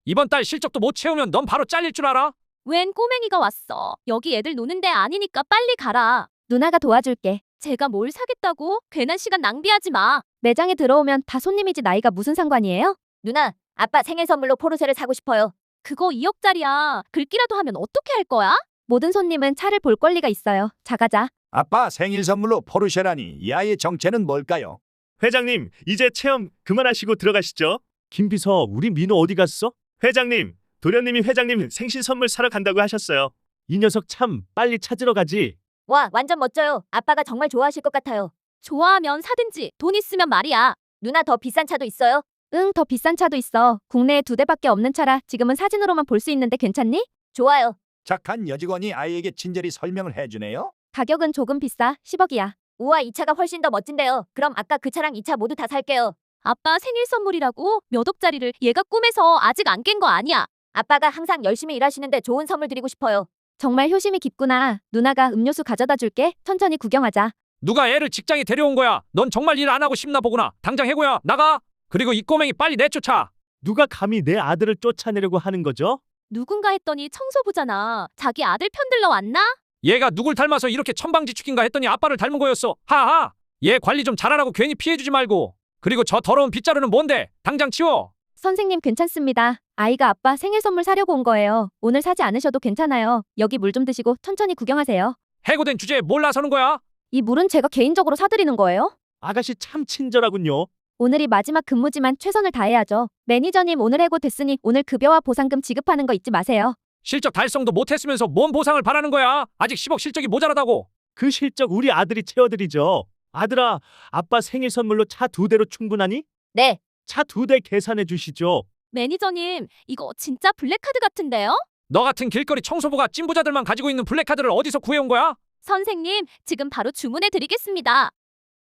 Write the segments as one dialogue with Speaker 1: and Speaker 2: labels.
Speaker 1: 이번 달 실적도 못 채우면 넌 바로 잘릴 줄 알아?
Speaker 2: 웬 꼬맹이가 왔어. 여기 애들 노는 데 아니니까 빨리 가라.
Speaker 3: 누나가 도와줄게.
Speaker 2: 제가 뭘 사겠다고? 괜한 시간 낭비하지 마.
Speaker 3: 매장에 들어오면 다 손님이지 나이가 무슨 상관이에요?
Speaker 4: 누나, 아빠 생일 선물로 포르쉐를 사고 싶어요.
Speaker 2: 그거 2억짜리야. 긁기라도 하면 어떻게 할 거야?
Speaker 3: 모든 손님은 차를 볼 권리가 있어요. 자가자.
Speaker 5: 아빠 생일 선물로 포르쉐라니 이 아이의 정체는 뭘까요?
Speaker 6: 회장님, 이제 체험 그만하시고 들어가시죠. 김비서, 우리 민호 어디 갔어? 회장님, 도련님이 회장님 생신 선물 사러 간다고 하셨어요. 이 녀석 참 빨리 찾으러 가지.
Speaker 4: 와, 완전 멋져요. 아빠가 정말 좋아하실 것 같아요.
Speaker 2: 좋아하면 사든지 돈 있으면 말이야.
Speaker 4: 누나 더 비싼 차도 있어요?
Speaker 3: 응, 더 비싼 차도 있어. 국내에 2대밖에 없는 차라 지금은 사진으로만 볼 수 있는데 괜찮니?
Speaker 4: 좋아요.
Speaker 5: 착한 여직원이 아이에게 친절히 설명을 해주네요.
Speaker 3: 가격은 조금 비싸. 10억이야.
Speaker 4: 우와, 이 차가 훨씬 더 멋진데요. 그럼 아까 그 차랑 이 차 모두 다 살게요.
Speaker 2: 아빠 생일 선물이라고 몇 억짜리를 얘가 꿈에서 아직 안 깬 거 아니야.
Speaker 4: 아빠가 항상 열심히 일하시는데 좋은 선물 드리고 싶어요.
Speaker 3: 정말 효심이 깊구나. 누나가 음료수 가져다 줄게. 천천히 구경하자.
Speaker 1: 누가 애를 직장에 데려온 거야? 넌 정말 일 안 하고 싶나 보구나. 당장 해고야. 나가. 그리고 이 꼬맹이 빨리 내쫓아.
Speaker 6: 누가 감히 내 아들을 쫓아내려고 하는 거죠?
Speaker 2: 누군가 했더니 청소부잖아. 자기 아들 편들러 왔나?
Speaker 1: 얘가 누굴 닮아서 이렇게 천방지축인가 했더니 아빠를 닮은 거였어. 하하. 얘 관리 좀 잘하라고 괜히 피해주지 말고. 그리고 저 더러운 빗자루는 뭔데? 당장 치워.
Speaker 3: 선생님 괜찮습니다. 아이가 아빠 생일 선물 사려고 온 거예요. 오늘 사지 않으셔도 괜찮아요. 여기 물 좀 드시고 천천히 구경하세요.
Speaker 1: 해고된 주제에 뭘 나서는 거야?
Speaker 3: 이 물은 제가 개인적으로 사드리는 거예요.
Speaker 6: 아가씨 참 친절하군요.
Speaker 3: 오늘이 마지막 근무지만 최선을 다해야죠. 매니저님 오늘 해고 됐으니 오늘 급여와 보상금 지급하는 거 잊지 마세요.
Speaker 1: 실적 달성도 못했으면서 뭔 보상을 바라는 거야? 아직 10억 실적이 모자라다고.
Speaker 6: 그 실적 우리 아들이 채워드리죠. 아들아, 아빠 생일 선물로 차 2대로 충분하니?
Speaker 4: 네.
Speaker 6: 차 2대 계산해 주시죠.
Speaker 2: 매니저님, 이거 진짜 블랙카드 같은데요?
Speaker 1: 너 같은 길거리 청소부가 찐부자들만 가지고 있는 블랙카드를 어디서 구해온 거야?
Speaker 2: 선생님, 지금 바로 주문해 드리겠습니다.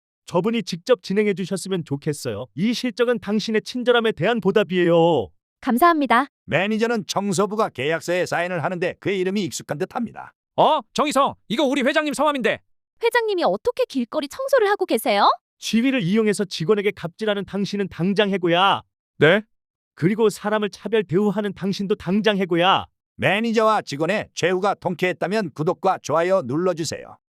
Speaker 6: 저분이 직접 진행해 주셨으면 좋겠어요. 이 실적은 당신의 친절함에 대한 보답이에요.
Speaker 3: 감사합니다.
Speaker 5: 매니저는 청소부가 계약서에 사인을 하는데 그의 이름이 익숙한 듯합니다.
Speaker 1: 정희성, 이거 우리 회장님 성함인데.
Speaker 2: 회장님이 어떻게 길거리 청소를 하고 계세요?
Speaker 6: 지위를 이용해서 직원에게 갑질하는 당신은 당장 해고야.
Speaker 1: 네?
Speaker 6: 그리고 사람을 차별 대우하는 당신도 당장 해고야.
Speaker 5: 매니저와 직원의 최후가 통쾌했다면 구독과 좋아요 눌러주세요.